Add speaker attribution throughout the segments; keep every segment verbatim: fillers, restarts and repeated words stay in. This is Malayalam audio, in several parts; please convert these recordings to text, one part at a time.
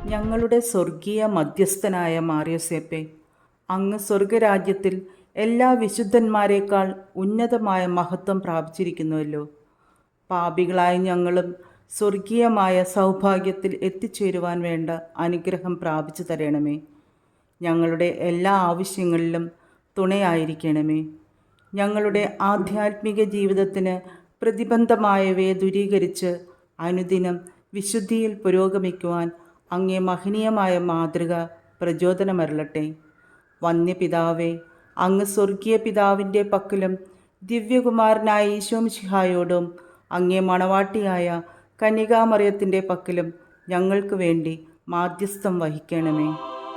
Speaker 1: ഞങ്ങളുടെ സ്വർഗീയ മധ്യസ്ഥനായ മാർയോസേപ്പെ, അങ്ങ് സ്വർഗരാജ്യത്തിൽ എല്ലാ വിശുദ്ധന്മാരെക്കാൾ ഉന്നതമായ മഹത്വം പ്രാപിച്ചിരിക്കുന്നുവല്ലോ. പാപികളായ ഞങ്ങളും സ്വർഗീയമായ സൗഭാഗ്യത്തിൽ എത്തിച്ചേരുവാൻ വേണ്ട അനുഗ്രഹം പ്രാപിച്ചു തരണമേ. ഞങ്ങളുടെ എല്ലാ ആവശ്യങ്ങളിലും തുണയായിരിക്കണമേ. ഞങ്ങളുടെ ആധ്യാത്മിക ജീവിതത്തിന് പ്രതിബന്ധമായവയെ ദൂരീകരിച്ച് അനുദിനം വിശുദ്ധിയിൽ പുരോഗമിക്കുവാൻ അങ്ങേ മഹനീയമായ മാതൃക പ്രചോദനമരുളട്ടെ. വന്യപിതാവേ, അങ്ങ് സ്വർഗീയ പിതാവിൻ്റെ പക്കലും ദിവ്യകുമാരനായ ഈശോമിശിഹായോടും അങ്ങേ മണവാട്ടിയായ കന്യകാമറിയത്തിൻ്റെ പക്കലും ഞങ്ങൾക്ക് വേണ്ടി മാധ്യസ്ഥം വഹിക്കണമേ.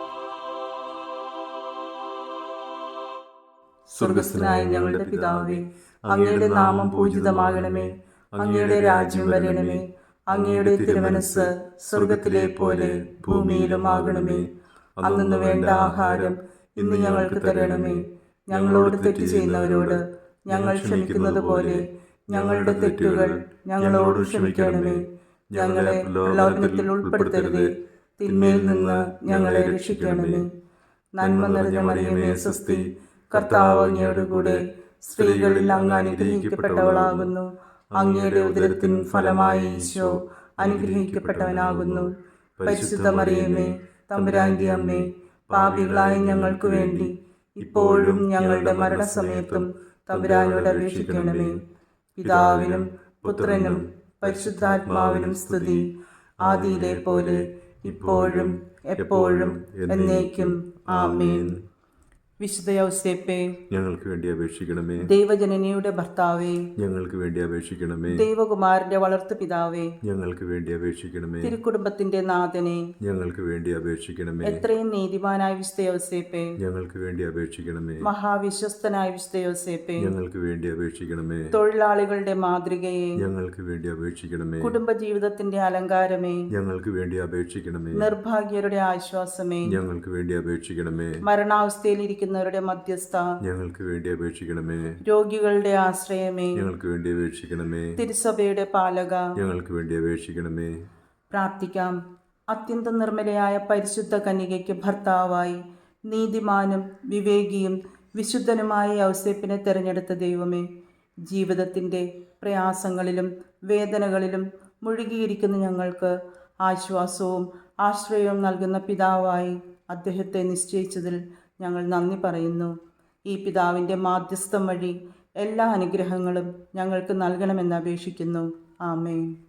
Speaker 2: സ്വർഗസ്ഥനായ ഞങ്ങളുടെ പിതാവേ, അങ്ങയുടെ നാമം പൂജിതമാകണമേ. അങ്ങയുടെ രാജ്യം വരണമേ. അങ്ങയുടെ തിരുമനസ് സ്വർഗത്തിലെ പോലെ ഭൂമിയിലും ആകണമേ. അന്നു വേണ്ട ആഹാരം ഇന്ന് ഞങ്ങൾക്ക് തരണമേ. ഞങ്ങളോട് തെറ്റ് ചെയ്യുന്നവരോട് ഞങ്ങൾ ക്ഷമിക്കുന്നത് പോലെ ഞങ്ങളുടെ തെറ്റുകൾ ഞങ്ങളോട് ക്ഷമിക്കണമേ. ഞങ്ങളെ പ്രലോഭനത്തിൽ ഉൾപ്പെടുത്തരുതേ, തിന്മയിൽ നിന്ന് ഞങ്ങളെ രക്ഷിക്കണമേ. നന്മ നിറഞ്ഞ മറിയമേ സ്വസ്തി, കർത്താവ് അങ്ങയോടുകൂടെ സ്ത്രീകളിൽ അങ്ങ് അനുഗ്രഹിക്കപ്പെട്ടവളാകുന്നു. അങ്ങയുടെ ഉദരത്തിൻ ഫലമായി ഈശോ അനുഗ്രഹിക്കപ്പെട്ടവനാകുന്നു. പരിശുദ്ധ മറിയമേ, തമ്പുരാന്റെ അമ്മേ, പാപികളായ ഞങ്ങൾക്ക് വേണ്ടി ഇപ്പോഴും ഞങ്ങളുടെ മരണസമയത്തും തമ്പുരാനോട് അപേക്ഷിക്കണമേ. പിതാവിനും പുത്രനും പരിശുദ്ധാത്മാവിനും സ്തുതി, ആദിയിലെ പോലെ ഇപ്പോഴും എപ്പോഴും എന്നേക്കും ആമേൻ.
Speaker 1: വിശുദ്ധ യൗസേപ്പേ,
Speaker 2: ഞങ്ങൾക്ക് വേണ്ടി അപേക്ഷിക്കണമേ.
Speaker 1: ദൈവജനനിയുടെ ഭർത്താവേ,
Speaker 2: ഞങ്ങൾക്ക് വേണ്ടി അപേക്ഷിക്കണമേ.
Speaker 1: ദൈവകുമാരന്റെ വളർത്തു പിതാവേ,
Speaker 2: ഞങ്ങൾക്ക് വേണ്ടി അപേക്ഷിക്കണമേ.
Speaker 1: തിരുക്കുടുംബത്തിന്റെ നാഥനെ,
Speaker 2: ഞങ്ങൾക്ക് വേണ്ടി അപേക്ഷിക്കണമേ.
Speaker 1: എത്രയും നീതിമാനായ വിശുദ്ധ യൗസേപ്പേ,
Speaker 2: ഞങ്ങൾക്ക് വേണ്ടി അപേക്ഷിക്കണമേ.
Speaker 1: മഹാവിശ്വസ്തനായ വിശുദ്ധ യൗസേപ്പേ,
Speaker 2: ഞങ്ങൾക്ക് വേണ്ടി അപേക്ഷിക്കണമേ.
Speaker 1: തൊഴിലാളികളുടെ മാതൃകയെ,
Speaker 2: ഞങ്ങൾക്ക് വേണ്ടി അപേക്ഷിക്കണമേ.
Speaker 1: കുടുംബജീവിതത്തിന്റെ അലങ്കാരമേ,
Speaker 2: ഞങ്ങൾക്ക് വേണ്ടി അപേക്ഷിക്കണമേ.
Speaker 1: നിർഭാഗ്യരുടെ ആശ്വാസമേ,
Speaker 2: ഞങ്ങൾക്ക് വേണ്ടി അപേക്ഷിക്കണമേ.
Speaker 1: മരണാവസ്ഥയിലിരിക്കുന്ന മധ്യസ്ഥ,
Speaker 2: ഞങ്ങൾക്ക് വേണ്ടി അപേക്ഷിക്കണമേ.
Speaker 1: രോഗികളുടെ ആശ്രയമേ,
Speaker 2: ഞങ്ങൾക്ക് വേണ്ടി അപേക്ഷിക്കണമേ.
Speaker 1: തിരുസഭയുടെ പാലക,
Speaker 2: ഞങ്ങൾക്ക് വേണ്ടി അപേക്ഷിക്കണമേ.
Speaker 1: പ്രാർത്ഥിക്കാം. അത്യന്തം നിർമ്മലയായ പരിശുദ്ധ കന്യകയ്ക്ക് ഭർത്താവായി നീതിമാനും വിവേകിയും വിശുദ്ധനുമായ യൗസേപ്പിനെ തെരഞ്ഞെടുത്ത ദൈവമേ, ജീവിതത്തിൻ്റെ പ്രയാസങ്ങളിലും വേദനകളിലും മുഴുകിയിരിക്കുന്ന ഞങ്ങൾക്ക് ആശ്വാസവും ആശ്രയവും നൽകുന്ന പിതാവായി അദ്ദേഹത്തെ നിശ്ചയിച്ചതിൽ ഞങ്ങൾ നന്ദി പറയുന്നു. ഈ പിതാവിൻ്റെ മാധ്യസ്ഥം വഴി എല്ലാ അനുഗ്രഹങ്ങളും ഞങ്ങൾക്ക് നൽകണമെന്ന് അപേക്ഷിക്കുന്നു. ആമേൻ.